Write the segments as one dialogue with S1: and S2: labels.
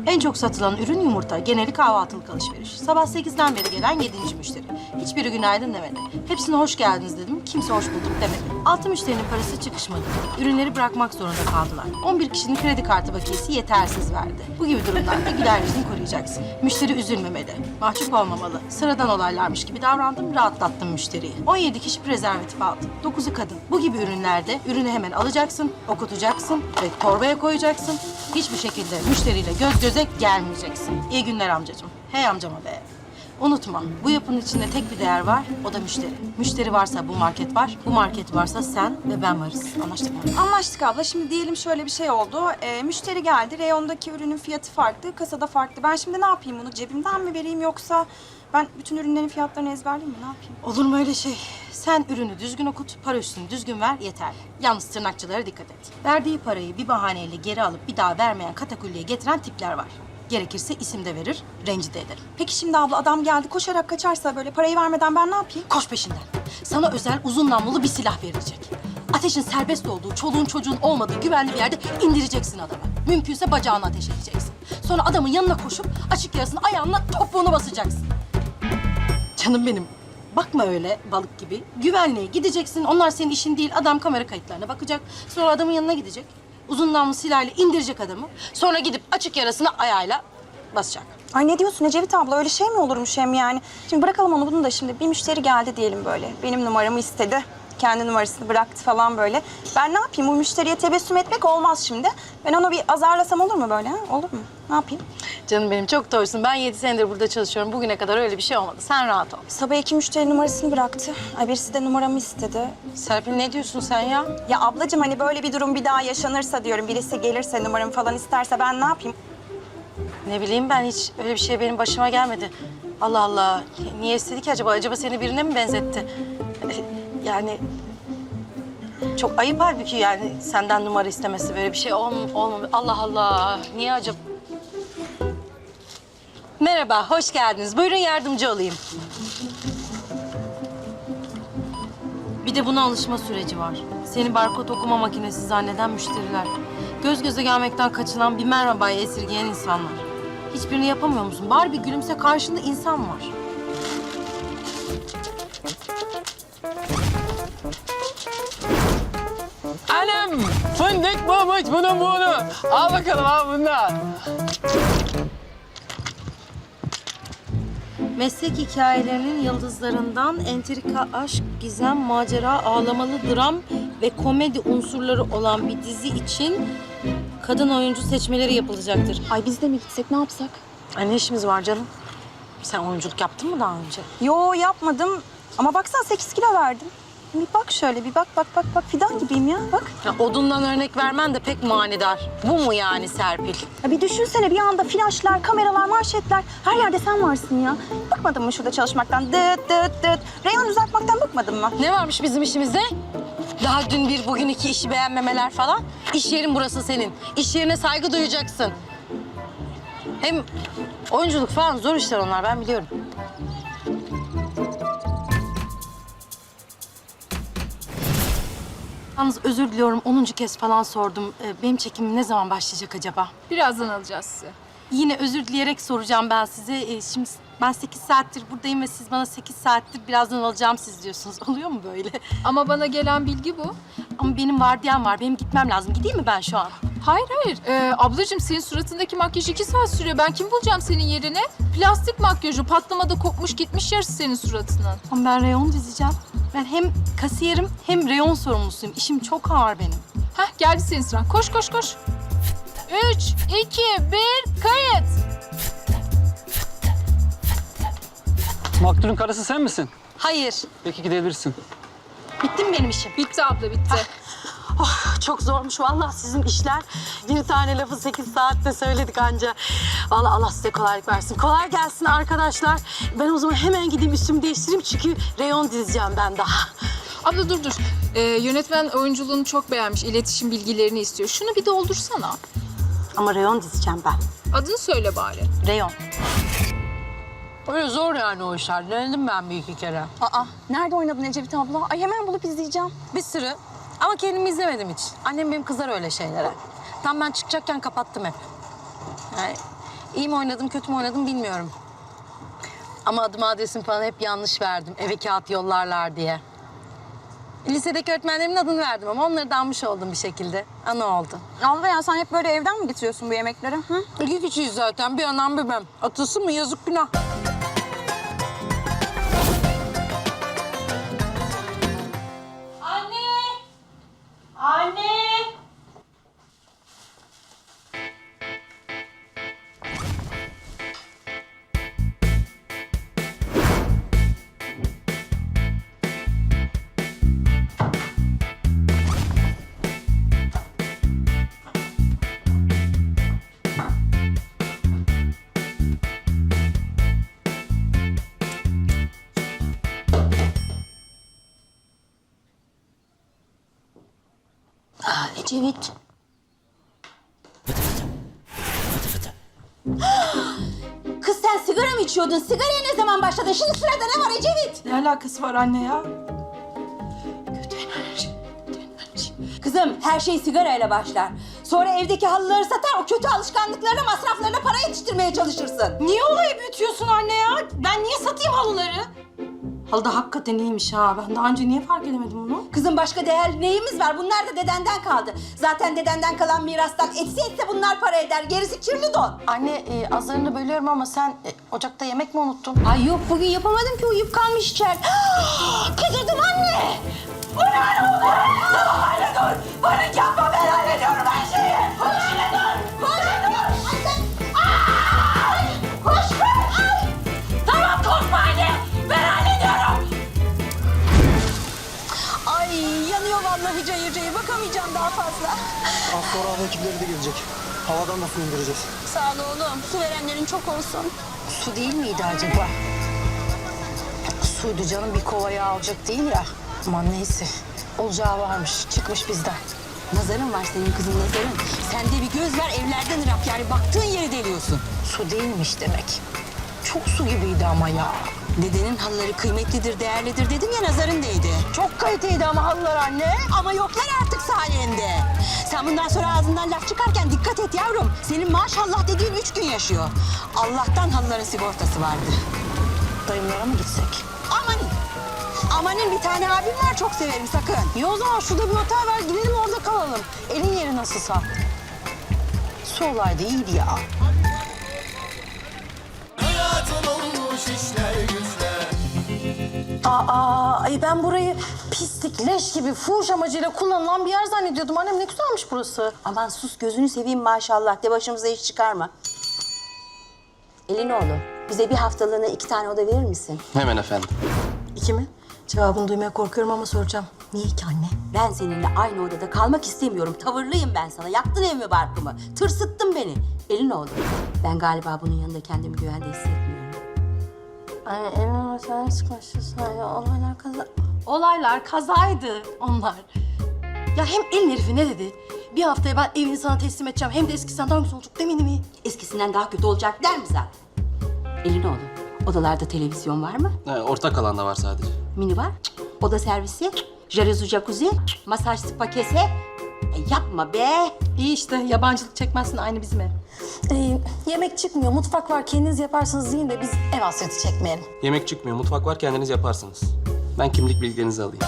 S1: En çok satılan ürün yumurta. Geneli kahvaltılık alışveriş. Sabah 8'den beri gelen 7. müşteri. Hiçbiri günaydın demedi. Hepsine hoş geldiniz dedim. Kimse hoş bulduk demedi. 6 müşterinin parası çıkışmadı. Ürünleri bırakmak zorunda kaldılar. 11 kişinin kredi kartı bakiyesi yetersiz verdi. Bu gibi durumlarda güler yüzünü koruyacaksın. Müşteri üzülmemeli. Mahcup olmamalı. Sıradan olaylarmış gibi davrandım, rahatlattım müşteriyi. 17 kişi prezervatif aldı. 9'u kadın. Bu gibi ürünlerde ürünü hemen alacaksın, okutacaksın ve torbaya koyacaksın. Hiçbir şekilde müşteriyle göz göze gelmeyeceksin. İyi günler amcacığım. Hey amcama be. Unutma, bu yapının içinde tek bir değer var, o da müşteri. Müşteri varsa bu market var, bu market varsa sen ve ben varız. Anlaştık mı?
S2: Anlaştık abla. Şimdi diyelim şöyle bir şey oldu. Müşteri geldi. Reyondaki ürünün fiyatı farklı, kasada farklı. Ben şimdi ne yapayım bunu? Cebimden mi vereyim yoksa ben bütün ürünlerin fiyatlarını ezberleyeyim mi? Ne yapayım?
S1: Olur mu öyle şey? Sen ürünü düzgün okut, para üstünü düzgün ver, yeter. Yalnız tırnakçılara dikkat et. Verdiği parayı bir bahaneyle geri alıp bir daha vermeyen katakulliye getiren tipler var. Gerekirse isim de verir, rencide ederim.
S2: Peki şimdi abla adam geldi koşarak kaçarsa böyle parayı vermeden ben ne yapayım?
S1: Koş peşinden. Sana özel uzun namlulu bir silah verilecek. Ateşin serbest olduğu, çoluğun çocuğun olmadığı güvenli bir yerde indireceksin adamı. Mümkünse bacağına ateş edeceksin. Sonra adamın yanına koşup açık yarasını ayağınla topuğunu basacaksın. Canım benim. Bakma öyle balık gibi. Güvenliğe gideceksin. Onlar senin işin değil. Adam kamera kayıtlarına bakacak. Sonra adamın yanına gidecek. Uzun namlu silahıyla indirecek adamı. Sonra gidip açık yarasını ayağıyla basacak.
S2: Ay ne diyorsun Ecevit abla? Öyle şey mi olurmuş hem yani? Şimdi bırakalım onu bunu da şimdi. Bir müşteri geldi diyelim böyle. Benim numaramı istedi. Kendi numarasını bıraktı falan böyle. Ben ne yapayım? Bu müşteriye tebessüm etmek olmaz şimdi. Ben onu bir azarlasam olur mu böyle? Ha? Olur mu? Ne yapayım?
S1: Canım benim çok doğrusun. Ben 7 senedir burada çalışıyorum. Bugüne kadar öyle bir şey olmadı. Sen rahat ol.
S2: Sabah 2 müşteri numarasını bıraktı. Ay birisi de numaramı istedi.
S1: Serpil ne diyorsun sen ya?
S2: Ya ablacığım hani böyle bir durum bir daha yaşanırsa diyorum. Birisi gelirse numaramı falan isterse ben ne yapayım?
S1: Ne bileyim ben hiç öyle bir şey benim başıma gelmedi. Allah Allah. Niye istedi ki acaba? Acaba seni birine mi benzetti? Yani çok ayıp halbuki yani senden numara istemesi böyle bir şey olmamış. Allah Allah. Niye acaba? Merhaba, hoş geldiniz. Buyurun yardımcı olayım. Bir de buna alışma süreci var. Seni barkod okuma makinesi zanneden müşteriler. Göz göze gelmekten kaçınan bir merhabayı esirgeyen insanlar. Hiçbirini yapamıyor musun? Bari bir gülümse, karşında insan var.
S3: Anam! Fındık bulmuş bunu. Al bakalım al bundan.
S1: Meslek hikayelerinin yıldızlarından entrika, aşk, gizem, macera, ağlamalı dram ve komedi unsurları olan bir dizi için kadın oyuncu seçmeleri yapılacaktır.
S2: Ay biz de mi gitsek ne yapsak?
S1: Ay ne işimiz var canım? Sen oyunculuk yaptın mı daha önce?
S2: Yo yapmadım. Ama baksana 8 kilo verdim. Bir bak şöyle bir bak fidan gibiyim ya bak.
S1: Ya odundan örnek vermen de pek manidar. Bu mu yani Serpil?
S2: Ya bir düşünsene bir anda flaşlar, kameralar, manşetler. Her yerde sen varsın ya. Bıkmadın mı şurada çalışmaktan? Dıt dıt dıt. Reyon düzeltmekten bıkmadın mı?
S1: Ne varmış bizim işimizde? Daha dün bir, bugün iki işi beğenmemeler falan. İş yerin burası senin. İş yerine saygı duyacaksın. Hem oyunculuk falan zor işler onlar, ben biliyorum. Yalnız özür diliyorum, 10. kez falan sordum. Benim çekimim ne zaman başlayacak acaba?
S4: Birazdan alacağız sizi.
S1: Yine özür dileyerek soracağım ben size. Şimdi ben 8 saattir buradayım ve siz bana 8 saattir birazdan alacağım siz diyorsunuz. Oluyor mu böyle?
S4: Ama bana gelen bilgi bu.
S1: Ama benim vardiyam var, benim gitmem lazım. Gideyim mi ben şu an?
S4: Hayır. Ablacığım senin suratındaki makyaj 2 saat sürüyor. Ben kim bulacağım senin yerine? Plastik makyajı patlamada kopmuş gitmiş yarısı senin suratının.
S1: Ama ben reyon dizeceğim. Ben hem kasiyerim hem reyon sorumlusuyum. İşim çok ağır benim.
S4: Heh geldi senin sıran. Koş. 3, 2, 1 kayıt.
S3: Maktulün karısı sen misin?
S1: Hayır.
S3: Peki gidebilirsin.
S1: Bitti mi benim işim?
S4: Bitti abla bitti.
S1: Oh, çok zormuş vallahi sizin işler. Bir tane lafı 8 saatte söyledik anca. Vallahi Allah size kolaylık versin. Kolay gelsin arkadaşlar. Ben o zaman hemen gideyim üstümü değiştireyim çünkü reyon dizeceğim ben daha.
S4: Abla dur. Yönetmen oyunculuğunu çok beğenmiş. İletişim bilgilerini istiyor. Şunu bir doldursana.
S1: Ama reyon dizeceğim ben.
S4: Adını söyle bari.
S1: Reyon. Öyle zor yani o işler. Denedim ben bir iki kere.
S2: Aa nerede oynadın Ecevit abla? Ay hemen bulup izleyeceğim.
S1: Bir sürü. Ama kendimi izlemedim hiç. Annem benim kızar öyle şeylere. Tam ben çıkacakken kapattım hep. Yani İyi mi oynadım, kötü mü oynadım bilmiyorum. Ama adım adresim falan hep yanlış verdim. Eve kağıt yollarlar diye. Lisedeki öğretmenlerimin adını verdim ama onları da almış oldum bir şekilde. Ana oldu.
S2: Alva ya sen hep böyle evden mi getiriyorsun bu yemekleri? Hı?
S1: İki kişiyiz zaten. Bir anam bir ben. Atılsın mı? Yazık günah.
S5: Anne! Anne!
S1: Ecevit.
S5: Kız sen sigara mı içiyordun? Sigaraya ne zaman başladın? Şimdi sırada ne var Ecevit?
S1: Ne alakası var anne ya?
S5: Kötü enerji. Kızım her şey sigarayla başlar. Sonra evdeki halıları satar, o kötü alışkanlıklarına, masraflarına para yetiştirmeye çalışırsın.
S1: Niye olayı büyütüyorsun anne ya? Ben niye satayım halıları? Halı da hakikaten iyiymiş ha. Ben daha önce niye fark edemedim bunu?
S5: Kızım başka değer neyimiz var? Bunlar da dedenden kaldı. Zaten dedenden kalan mirastan etse bunlar para eder. Gerisi kirli don.
S1: Anne azlarını bölüyorum ama sen ocakta yemek mi unuttun?
S5: Ay yok bugün yapamadım ki uyuyup kalmış içer. Kızırdım anne. Bu ne oldu? Tamam anne dur. Panik yapma ben hallediyorum her şeyi. Anne dur. Anne dur. Ay! Koş koş. Ay! Tamam korkma anne. Ben hallediyorum.
S1: Ay yanıyor vallahi cayır cayır. Bakamayacağım daha fazla.
S6: Az sonra hava ekipleri de gelecek. Havadan da su indireceğiz.
S1: Sağ ol oğlum. Su verenlerin çok olsun. Su değil miydi acaba? Suydu canım, bir kovaya alacak değil ya. Aman neyse. Olacağı varmış. Çıkmış bizden.
S5: Nazarın var senin kızın nazarın. Sende bir göz var evlerden ırak yani baktığın yeri deliyorsun.
S1: Su değilmiş demek. Çok su gibiydi ama ya.
S5: Dedenin halıları kıymetlidir, değerlidir dedim ya nazarın değdi.
S1: Çok kaliteydi ama halılar anne.
S5: Ama yoklar artık sayende. Sen bundan sonra ağzından laf çıkarken dikkat et yavrum. Senin maşallah dediğin 3 gün yaşıyor. Allah'tan halıların sigortası vardı.
S1: Dayımlara mı gitsek?
S5: Amanin. Amanin bir tane abim var çok severim sakın.
S1: İyi o zaman şurada bir otel var. Gidelim orada kalalım. Elin yeri nasılsa. Su olaydı iyiydi ya. Ay ben burayı pislik, leş gibi fuhuş amacıyla kullanılan bir yer zannediyordum. Annem ne güzelmiş burası.
S5: Aman sus gözünü seveyim maşallah de başımıza iş çıkarma. Elinoğlu bize bir haftalığına 2 tane oda verir misin?
S3: Hemen efendim.
S1: 2 mi? Cevabını duymaya korkuyorum ama soracağım. Niye ki anne?
S5: Ben seninle aynı odada kalmak istemiyorum. Tavırlıyım ben sana. Yaktın evimi barkımı. Tırsıttın beni. Elinoğlu ben galiba bunun yanında kendimi güvende hissetmiyorum.
S1: Anne emin ol sen sıkmışsın. Olaylar kaza... Olaylar kazaydı onlar. Ya hem elin herifi ne dedi? Bir haftaya ben evini sana teslim edeceğim. Hem de eskisinden daha güzel olacak demedi mi?
S5: Eskisinden daha kötü olacak der mi zaten? Elinoğlu odalarda televizyon var mı?
S3: Ortak alanda var sadece.
S5: Mini var. Oda servisi. Jacuzzi, jacuzzi. Masaj spa kese. Yapma be.
S1: İyi işte yabancılık çekmezsin aynı bizim ev. Yemek çıkmıyor, mutfak var. Kendiniz yaparsınız deyin de biz ev hasreti çekmeyelim.
S3: Yemek çıkmıyor, mutfak var, kendiniz yaparsınız. Ben kimlik bilgilerinizi alayım.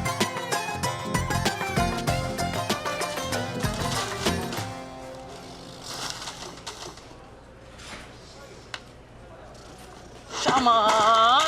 S1: Aman.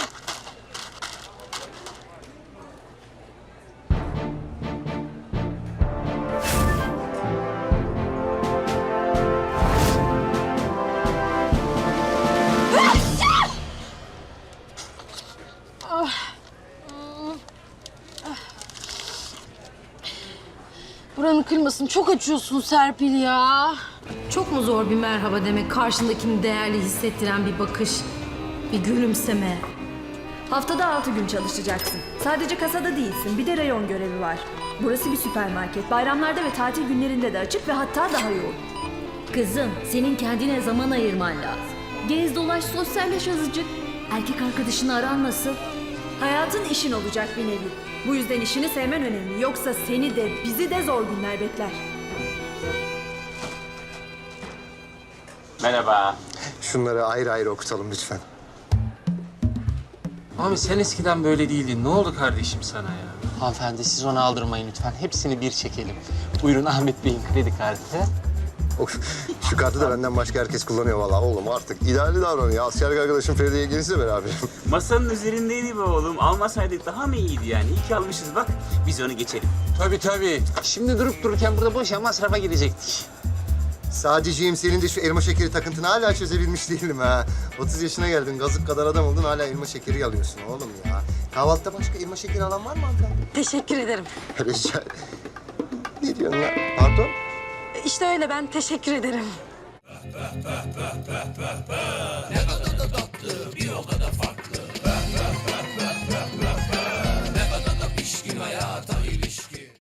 S1: Buranın kırmasını çok açıyorsun Serpil ya.
S7: Çok mu zor bir merhaba demek, karşındakini değerli hissettiren bir bakış, bir gülümseme?
S8: Haftada 6 gün çalışacaksın. Sadece kasada değilsin, bir de rayon görevi var. Burası bir süpermarket. Bayramlarda ve tatil günlerinde de açık ve hatta daha yoğun.
S7: Kızım, senin kendine zaman ayırman lazım. Gez dolaş, sosyalleş azıcık. Erkek arkadaşını aran nasıl?
S8: Hayatın işin olacak bir nevi. Bu yüzden işini sevmen önemli. Yoksa seni de bizi de zor günler bekler.
S3: Merhaba.
S6: Şunları ayrı ayrı okutalım lütfen.
S3: Abi sen eskiden böyle değildin. Ne oldu kardeşim sana ya? Hanımefendi siz onu aldırmayın lütfen. Hepsini bir çekelim. Buyurun Ahmet Bey'in kredi kartı.
S6: Of, şu kartı da benden başka herkes kullanıyor vallahi oğlum artık. İdeali davranıyor. Askerlik arkadaşım Feride'ye gelirse beraber.
S9: Masanın üzerindeydi be oğlum. Almasaydık daha mı iyiydi yani? İyi ki almışız bak. Biz onu geçelim.
S3: Tabii. Şimdi durup dururken burada boşa masrafa girecektik.
S6: Sadece'yim senin de şu elma şekeri takıntını hala çözebilmiş değilim ha. 30 yaşına geldin, gazık kadar adam oldun hala elma şekeri alıyorsun oğlum ya. Kahvaltıda başka elma şekeri alan var mı hanımefendi?
S1: Teşekkür ederim.
S6: Rica Ne diyorsun lan? Pardon?
S1: İşte öyle, ben teşekkür ederim.